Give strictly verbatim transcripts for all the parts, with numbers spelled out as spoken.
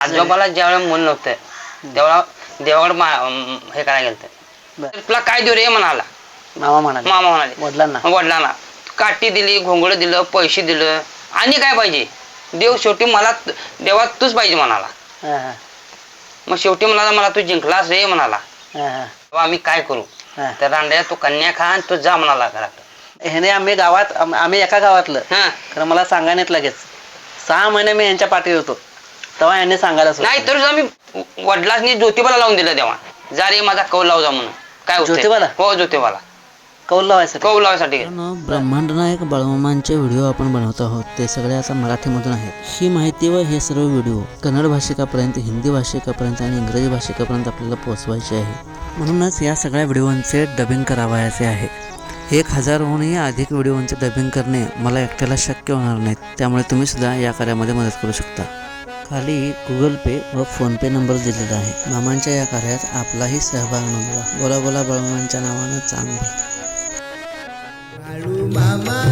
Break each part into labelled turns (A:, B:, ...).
A: आजोबाला ज्यावेळेला मूल नव्हतं तेव्हा देवाकडे हे करायला गेलं. तुला काय देऊ रे म्हणाला.
B: मामा म्हणाले
A: मामा म्हणाले
B: वडिलांना
A: वडिलांना काठी दिली, घोंगड दिलं, पैसे दिलं, आणि काय पाहिजे. देव शेवटी मला देवा तूच पाहिजे म्हणाला.
B: हा, हा.
A: मग शेवटी म्हणाला मला तू जिंकलास रे म्हणाला.
B: हा, हा.
A: तेव्हा आम्ही काय करू.
B: हा.
A: तर रांड्या तू कन्या खा आणि तू जा म्हणाला घरात.
B: ह्याने आम्ही गावात आम- आम्ही एका गावातलं
A: हा
B: खरं मला सांगायला लगेच सहा महिने मी यांच्या पाठी होतो तेव्हा यांनी सांगायला सुरुवात
A: नाही तर आम्ही वडिलांनी ज्योतिबाला लावून दिलं तेव्हा. जा रे माझा कौल लाव जा म्हणून. काय होतंय?
B: ज्योतिबाला?
A: हो ज्योतिबाला
B: कौल लावायसाठी
A: कौल लावायसाठी.
C: ब्रह्मांड नायक बाळमामांचे व्हिडिओ आपण बनवत आहोत. ते सगळे आता मराठीमधून आहेत. ही माहिती व हे सर्व व्हिडिओ कन्नड भाषिकापर्यंत, हिंदी भाषिकापर्यंत आणि इंग्रजी भाषिकापर्यंत आपल्याला पोहोचवायचे आहे. म्हणूनच या सगळ्या व्हिडिओंचे डबिंग करावयाचे आहे. एक हजारहूनही अधिक व्हिडिओंचे डबिंग करणे मला एकट्याला शक्य होणार नाहीत. त्यामुळे तुम्ही सुद्धा या कार्यामध्ये मदत करू शकता. खाली गुगल पे व फोनपे नंबर दिलेला आहे. मामांच्या या कार्यात आपलाही सहभाग नोंदवा. बोला बोला बाळमामांच्या नावानं चांगलं.
D: बाळू मामा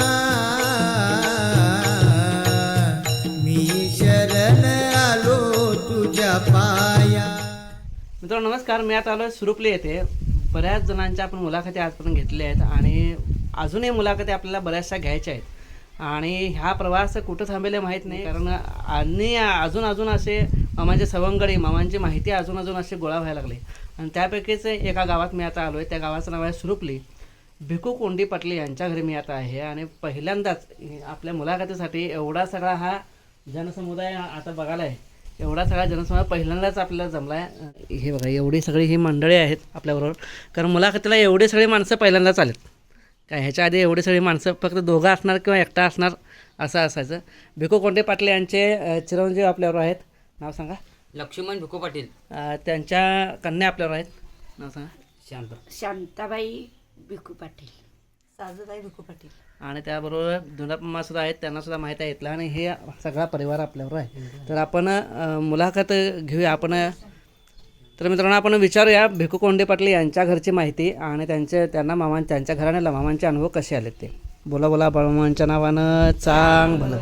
D: मी शरण आलो तुझ्या पाया.
B: मित्रांनो नमस्कार. मी आता आलो सुरुपली येथे. बऱ्याच जणांच्या आपण मुलाखती आजपर्यंत घेतल्या आहेत आणि अजूनही मुलाखती आपल्याला बऱ्याचशा घ्यायच्या आहेत. आणि ह्या प्रवास कुठं थांबेले माहीत नाही, कारण आणि अजून अजून असे मामांचे सवंगडी, मामांची माहिती अजून अजून असे गोळा व्हायला लागले. आणि त्यापैकीच एका गावात मी आता आलो आहे. त्या गावाचं नाव आहे सुरुपली. भिकू कोंडी पाटले यांच्या घरी मी आता आहे. आणि पहिल्यांदाच आपल्या मुलाखतीसाठी एवढा सगळा हा जनसमुदाय आता बघायला आहे. एवढा सगळा जनसमुदाय पहिल्यांदाच आपल्याला जमला आहे. हे बघा एवढी सगळी ही मंडळी आहेत आपल्याबरोबर. कारण मुलाखतीला एवढी सगळी माणसं पहिल्यांदाच आलेत. काय ह्याच्या आधी एवढी सगळी माणसं फक्त दोघं असणार किंवा एकटा असणार असं असायचं. भिकू कोंडे पाटले यांचे चिरंजीव आपल्यावर आहेत. नाव सांगा.
A: लक्ष्मण भिकू पाटील.
B: त्यांच्या कन्या आपल्यावर आहेत. नाव सांगा.
A: शांत
E: शांताबाई भिकू पाटील, साजूबाई भिकू पाटील.
B: आणि त्याबरोबर धुंडापम्मा सुद्धा आहेत. त्यांना सुद्धा माहीत आहे इथला. आणि हे सगळा परिवार आपल्यावर आहे. तर आपण मुलाखत घेऊया. आपण तर मित्रांनो आपण विचारूया भिकू कोंडे पाटील यांच्या घरची माहिती आणि त्यांचे त्यांना मामा त्यांच्या घराण्याला मामांचे अनुभव कसे आले ते. बोला बोला बाळमामांच्या नावानं चांग भलं.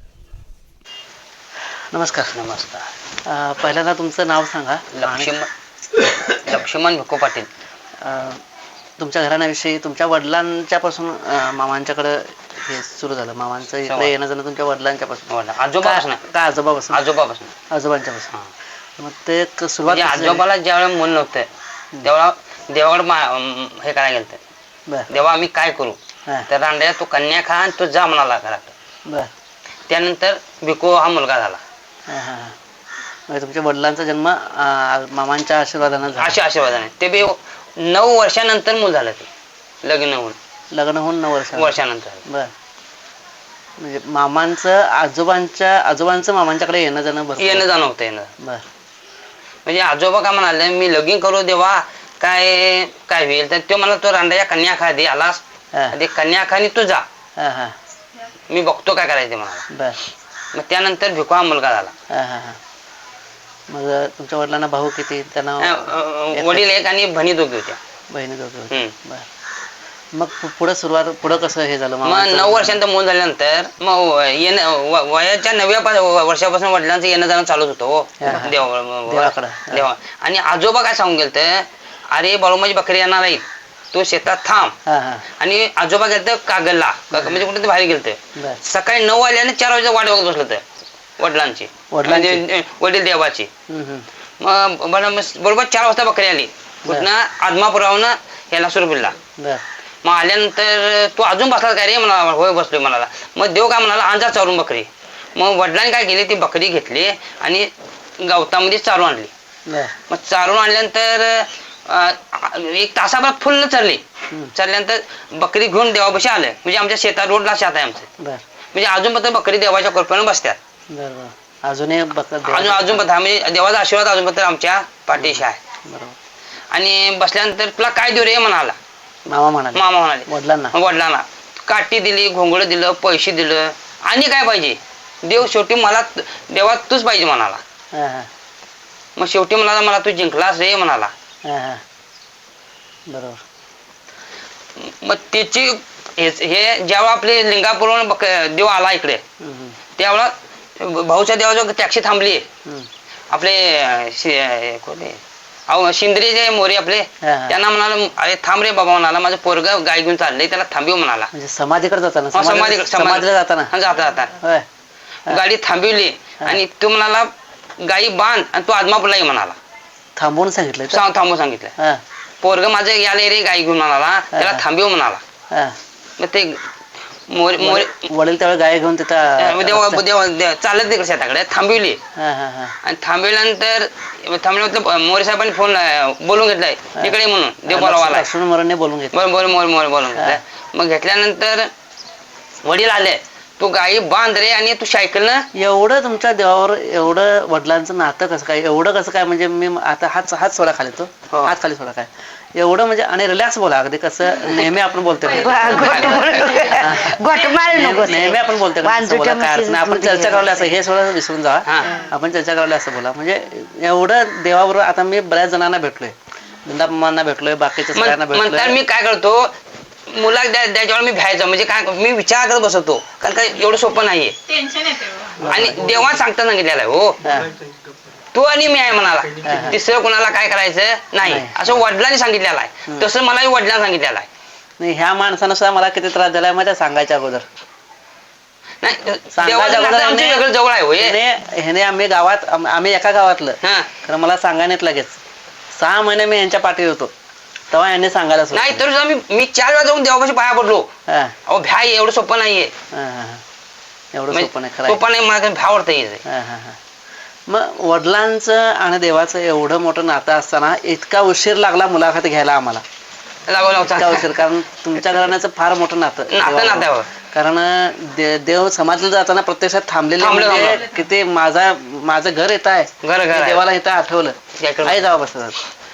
B: नमस्कार.
A: नमस्कार.
B: पहिल्यांदा तुमचं नाव सांगा.
A: लक्ष्मण लक्ष्मण भिकू पाटील.
B: तुमच्या घराण्याविषयी, तुमच्या वडिलांच्यापासून मामांच्याकडं हे सुरू झालं. मामांचं इकडे येणं जाणं तुमच्या वडिलांच्यापासून,
A: आजोबापासून
B: का आजोबापासून
A: आजोबापासून
B: आजोबांच्यापासून. मग ते सुरुवात
A: आजोबाला ज्यावेळेला मूल नव्हतं तेव्हा देवाकडे हे करायला गेलं.
B: बरं
A: तेव्हा आम्ही काय करू.
B: हां
A: तर रांड्या तू कन्या खा आणि तू जा म्हणाला घरात.
B: बरं.
A: त्यानंतर भिकू हा मुलगा झाला.
B: हां हां म्हणजे तुमच्या वडिलांचा जन्म मामांच्या आशीर्वादानं झाला.
A: अशा आशीर्वादाने. ते बी नऊ वर्षानंतर मूल झालं. ते लग्न होऊन
B: लग्न होऊन नऊ वर्ष
A: वर्षानंतर.
B: बरं. म्हणजे मामांचं आजोबांच्या आजोबांचं मामांच्याकडे येणं जाणं भरपूर
A: येणं जाणं होतं येणं.
B: बरं.
A: म्हणजे आजोबा काय म्हणाले मी लगीन करू देवा काय काय होईल. तर तो मला तो रांड्या कन्या खा दे आलास
B: हां
A: ते कन्या खा आणि तू जा,
B: हां हां
A: मी बघतो काय करायचं म्हणाला.
B: बरं.
A: मग त्यानंतर भिकू हा मुलगा झाला.
B: हां हां हां मग तुमच्या वडिलांना भाऊ किती. त्यांना
A: वडील एक आणि बहिणी दोघी होत्या.
B: बहिणी दोघे होते.
A: हम्म.
B: बरं. मग पु- पुढं सुरुवात पुढं कसं हे झालं.
A: मग
B: मामांचं?
A: नऊ वर्षांत मूल झाल्यानंतर मग येणं व- वयाच्या नवव्या पा- वर्षापासून वडिलांचं येणं जाणं चालूच होतं. हो
B: हा, हा.
A: देवा
B: देवाकडं.
A: देवा. आणि आजोबा काय सांगून गेलं अरे बाळूमाची बकरी येणार नाही तू शेतात थांब.
B: हां हां
A: आणि आजोबा गेलं कागलला म्हणजे कुठे बाहेर गेलं.
B: बरं.
A: सकाळी नऊ वाजल्याने चार वाजता वाट बघत बसलं तर वडिलांची
B: वडिलांची?
A: म्हणजे वडील देवाची.
B: हम्म, हम्म.
A: मग बरं, मग बरोबर चार वाजता बकरी आली कुठनं आदमापुरावून याला सुरबिलला.
B: बरं.
A: मग आल्यानंतर तू अजून बसला काय रे म्हणाला. होय बसलोय म्हणाला. मग देव काय म्हणाला आणजा चारून बकरी. मग वडिलांनी काय केली ती बकरी घेतली आणि गवतामध्ये चारून आणली.
B: बरं.
A: मग चारून आणल्यानंतर अं, एक तासाभर फुल्ल चरली. चरल्यानंतर बकरी घेऊन देवापाशी आलं. म्हणजे आमच्या शेतात रोडला शेत आहे आमचं.
B: बरं.
A: म्हणजे अजून पण बकरी देवाच्या कृपेने बसतात.
B: बरं बरं. अजूनही बघत
A: अजून अजून पण म्हणजे देवाचा आशीर्वाद अजून पण आमच्या पाठीशी आहे.
B: बरोबर.
A: आणि बसल्यानंतर तुला काय देऊ रे म्हणाला.
B: मामा म्हणाले
A: मामा म्हणाले
B: वडिलांना.
A: वडिलांना काठी दिली, घोंगड दिलं, पैसे दिलं, आणि काय पाहिजे. देव शेवटी मला देवा तूच पाहिजे म्हणाला.
B: हां हां
A: मग शेवटी म्हणाला मला तू जिंकलास रे म्हणाला.
B: हां हां बरोबर.
A: मग त्याची हे जेव्हा आपले लिंगापूरवरून देव आला इकडे
B: हम्म, हम्म.
A: त्यावेळेला भाऊच्या देवाजवळ टॅक्सी थांबली. आपले अं, शि- अं, कोणते अहो शिंदे जे मोरे आपले
C: हा, हा.
A: त्यांना म्हणाला अरे थांब रे बाबा म्हणाला माझं पोरग गाय घेऊन चाललंय त्याला थांबव म्हणाला
C: म्हणजे समाधीकडे जाताना
A: हा,
C: समाधी-
A: समाधीकडे- समाधी-
C: समाधीला जाताना
A: हा, जाता जाता
C: होय हा.
A: गाडी थांबवली आणि तो म्हणाला गाई बांध आणि तो आदमापूरला ये म्हणाला
C: थांबवून सांगितलं का?
A: सांग थांबून सांगितलं
C: हा
A: पोरग माझं याले रे गाई घेऊन म्हणाला त्याला थांबव म्हणाला
C: हा
A: मग ते मोरे मोरे
C: वडील त्यावेळी गाय घेऊन तिथं
A: देवा देवा देवा- चालत तिकडे शेताकडे थांबवली
C: हा हा हा
A: आणि थांबवल्यानंतर थांबल्यानंतर मोरे साहेबांनी फोन बोलून घेतलाय तिकडे म्हणून देव बोलावाला
C: लक्ष्मण मोरांनी बोलून घेतलं
A: बरं बरं मोर मोर बोलून घेतलाय मग घेतल्यानंतर वडील आले तू गाई बांध रे आणि तू सायकलनं
C: एवढं तुमच्या देवावर एवढं वडिलांचं नातं कसं काय एवढं कसं काय म्हणजे मी आता हात हात सोडा खाली तो
A: हो.
C: हात खाली सोडा काय एवढं म्हणजे आणि रिलॅक्स बोला अगदी कसं नेहमी आपण बोलतो
E: गोट मारू नको
C: नेहमी आपण बोलतो का तसं बोला, काय अर्थ नाही. आपण चर्चा करायला असं हे सोडा विसरून जा
A: हा.
C: आपण चर्चा करायला असं बोला म्हणजे एवढं देवाबरोबर आता मी बऱ्याच जणांना भेटलोय वृंदापमांना भेटलोय बाकीच्या सगळ्यांना
A: म्हणतात
C: भेटलोय
A: मी काय करतो मुला त्याच्यावर मी भ्यायचं म्हणजे काय मी विचार करत बसवतो कारण काय एवढं सोपं नाहीये आणि देवा सांगता सांगितलेलं आहे हो
C: हा.
A: तू आणि मी आहे म्हणाला तिसरं कोणाला काय करायचं नाही
C: नाही.
A: असं वडिलांनी सांगितलेलं आहे तसं मलाही वडिलांनी सांगितलेलं आहे
C: नाही ह्या माणसानं सुद्धा मला किती त्रास दिलाय माहिती आहे सांगायच्या अगोदर
A: नाही
C: सांगायच्या
A: देवाचं
C: अगोदर
A: नातं आमच्या
C: ह्याने-
A: वेगळं जवळ आहे हो हे.
C: ह्याने ह्याने आम्ही गावात आम- आम्ही एका गावातलं
A: हा
C: खरं मला सांगायला लगेच सहा महिने मी यांच्या पाठीवर होतो तेव्हा यांनी सांगायला सुरू
A: नाही
C: केलं.
A: तर सुद्धा मी मी चार वेळा जाऊन देवापाशी पाया पडलो
C: हा,
A: अहो भ्या एवढं सोपं नाहीये
C: हा, हा, हा. एवढं
A: म्हणजे
C: सोपं नाही खरं आहे.
A: सोपं नाही मला भ्या वाटतं येते
C: हा, हा, हा. मग वडिलांचं आणि देवाचं एवढं मोठं नातं असताना इतका उशीर लागला मुलाखत घ्यायला आम्हाला
A: लागो
C: इतका
A: लावचा
C: उशीर कारण तुमच्या घराण्याचं फार मोठं नातं
A: नातं
C: देवाबरोबर.
A: नात्यावर.
C: कारण दे- देव समाजला जाताना प्रत्यक्षात थांबलेले
A: थांबलं,
C: म्हणजे
A: थांबलं.
C: किती माझा माझं घर येत आहे
A: घर- घर
C: ते
A: आहे.
C: देवाला इथं आठवलं
A: याकडं-
C: आई जावा बसतात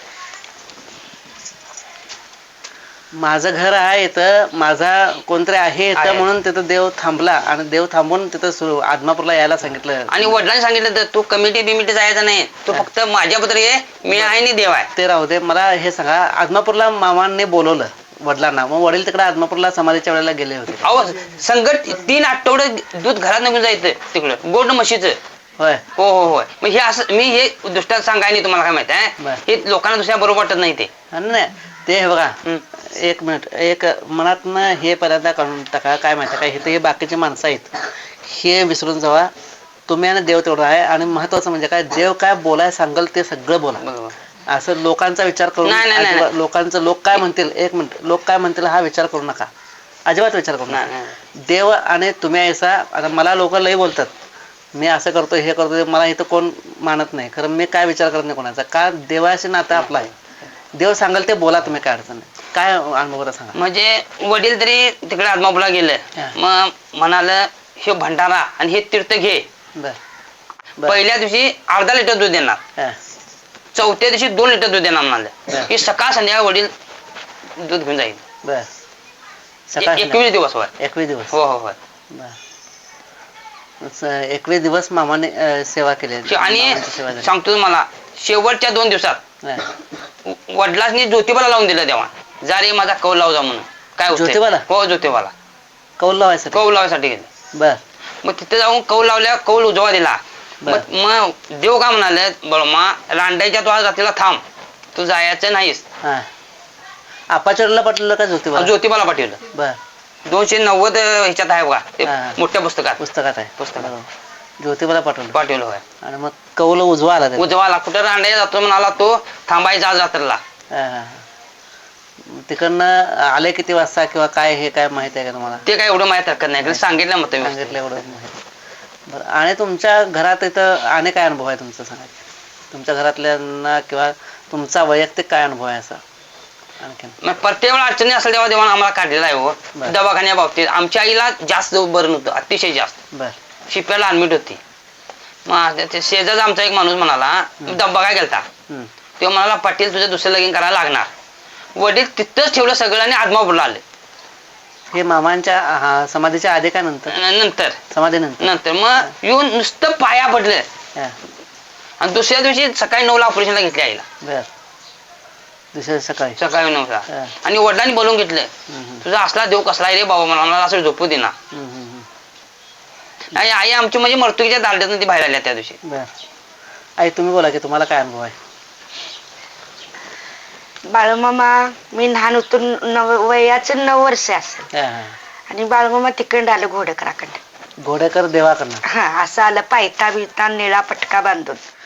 C: माझं घर आहे इथं माझा कोणतरी आहे इथं
A: आहे.
C: म्हणून तिथं देव थांबला आणि देव थांबून तिथं सुरू आदमापूरला यायला सांगितलं
A: आणि वडिलांनी सांगितलं तर तू कमिटी बिमिटी जायचं नाही तू फक्त माझ्याबद्दल ये मी आहे आणि देव आहे
C: ते राहू दे मला हे सांगा आदमापूरला मामांनी बोलवलं वडिलांना मग वडील तिकडे आदमापूरला समाधीच्या वेळेला गेले होते
A: अहो संकट तीन आठवडे दूध घरात निघून जायचं तिकडं गोड म्हशीचं
C: होय
A: हो हो हो मग हे असं मी हे दुसऱ्या सांगाय नाही तुम्हाला काय माहिती आहे
C: बरं.
A: हे लोकांना दुसऱ्या बरोबर वाटत नाही ते
C: आणि नाही ते हे बघा
A: हं.
C: एक मिनिट एक मनातनं हे पर्यंत काढून टाका काय माहिती काय इथे हे बाकीचे माणसं आहेत हे विसरून जावा तुम्ही आणि देव तेवढा आहे आणि महत्वाचं म्हणजे काय देव काय बोलाय सांगल ते सगळं बोला
A: बरोबर
C: असं लोकांचा विचार करून
A: नाही, नाही, नाही,
C: अजिबात- लोकांचं लोक काय म्हणतील एक मिनिट लोक काय म्हणतील हा विचार करू नका अजिबात विचार करू
A: नाही,
C: नका
A: नाही.
C: देव आणि तुम्ही ऐसा आता मला लोक लई बोलतात मी असं करतो हे करतो ते मला इथं कोण मानत नाही खरं मी काय विचार करत नाही कोणाचा का देवाशी नातं आपलं आहे देव सांगाल ते बोला तुम्ही काय अडचण नाही काय अनुभव सांगा
A: म्हणजे वडील तरी तिकडे आदमापूरला
C: हा.
A: गेलं मग म्हणालं हे भंडारा आणि हे तीर्थ घे
C: बर बर
A: पहिल्या दिवशी अर्धा लिटर दूध देणार
C: हा.
A: चौथ्या दिवशी दोन लिटर दूध देणार म्हणाले
C: बरं.
A: की सकाळ संध्याकाळ वडील दूध घेऊन जाईल
C: बर सकाळ
A: ए- एकवीस दिवस होय
C: एकवीस दिवस
A: हो हो होय
C: बर स- एकवीस दिवस मामाने अं, सेवा केली
A: शे- आणि
C: मामांची सेवा झाली.
A: सांगतो तुम्हाला शेवटच्या दोन दिवसात
C: हा.
A: व- वडिलांनी ज्योतिबाला लावून दिलं तेव्हा जा रे माझा कौल लाव जा म्हणून काय होतंय?
C: ज्योतिबाला?
A: हो ज्योतिबाला
C: कौल लावायचं
A: कौल लावायसाठी गेले
C: बर
A: मग तिथे जाऊन कौल लावल्या कौल उजवा दिला
C: बर.
A: मग मग देव का म्हणाले बळमा रांडायच्या तो आज रात्रीला थांब तू जायचं नाहीस
C: हा आपाचरला पाठवलं का ज्योतिबाला
A: ज्योतिबाला पाठवलं
C: बर
A: दोनशे नव्वद ह्याच्यात आहे बघा ते
C: हा, हा.
A: मोठ्या पुस्तकात
C: पुस्तकात आहे
A: पुस्तकात.
C: बरोबर. ज्योतिबाला पाठवलं
A: पाठवलं होय
C: आणि मग कौल उजवा आला त्याचा.
A: उजवाला कुठं रांडायला जातो म्हणाला तो थांबायचा आज रात्रीला
C: हा, हा, हा. तिकडनं आले किती वाजता किंवा काय हे काय माहित आहे का तुम्हाला
A: ते काय एवढं माहित हरकत नाही सांगितलं मग तुम्ही
C: सांगितलं एवढं माहित बरं आणि तुमच्या घरात इथं आणि काय अनुभव आहे तुमचा सांगायचं तुमच्या घरातल्यांना किंवा तुमचा वैयक्तिक काय अनुभव आहे असा आणखीन
A: मग प्रत्येक वेळा अडचणी असेल तेव्हा देवानं आम्हाला काढलेला आहे हो
C: बरं.
A: दवाखान्या बाबतीत आमच्या आईला जास्त बरं नव्हतं अतिशय जास्त
C: बर
A: शिप्याला ऍडमिट होती मग ते शेजारचा आमचा एक माणूस म्हणाला डब्बा काय गेलता
C: हम्म.
A: तो म्हणाला पाटील तुझं दुसरं लगीन करायला लागणार वडील तिथंच ठेवलं सगळं आणि आदमापूरला आले
C: हे मामांच्या हा, समाधीच्या आधी काय नंतर
A: न- नंतर
C: समाधीनंतर
A: नंतर मग येऊन नुसतं पाया पडलं
C: हा,
A: आणि दुसऱ्या दिवशी सकाळी नऊला ऑपरेशनला घेतले आईला
C: बर दुसऱ्या सकाळी
A: सकाळी नऊला
C: हा.
A: आणि वडिलांनी बोलून घेतलं
C: हम्म, हम्म,
A: तुझा असला देव कसला आहे रे बाबा मला मला असं झोपू देना
C: हम्म, हम्म, हम्म.
A: आणि आई आमची म्हणजे मर्तुकीच्या दांड्यातून ती बाहेर आल्या त्या दिवशी
C: बर
B: आई तुम्ही बोला की तुम्हाला काय अनुभव आहे?
E: बाळूमामा मी लहान होतो नव वयाचं नऊ वर्ष असेल
B: हा, हा.
E: आणि बाळूमामा तिकडं आलं घोडकराकडं.
B: घोडेकर देवाकडनं.
E: हा असं आलं पायता बिता निळा पटका बांधून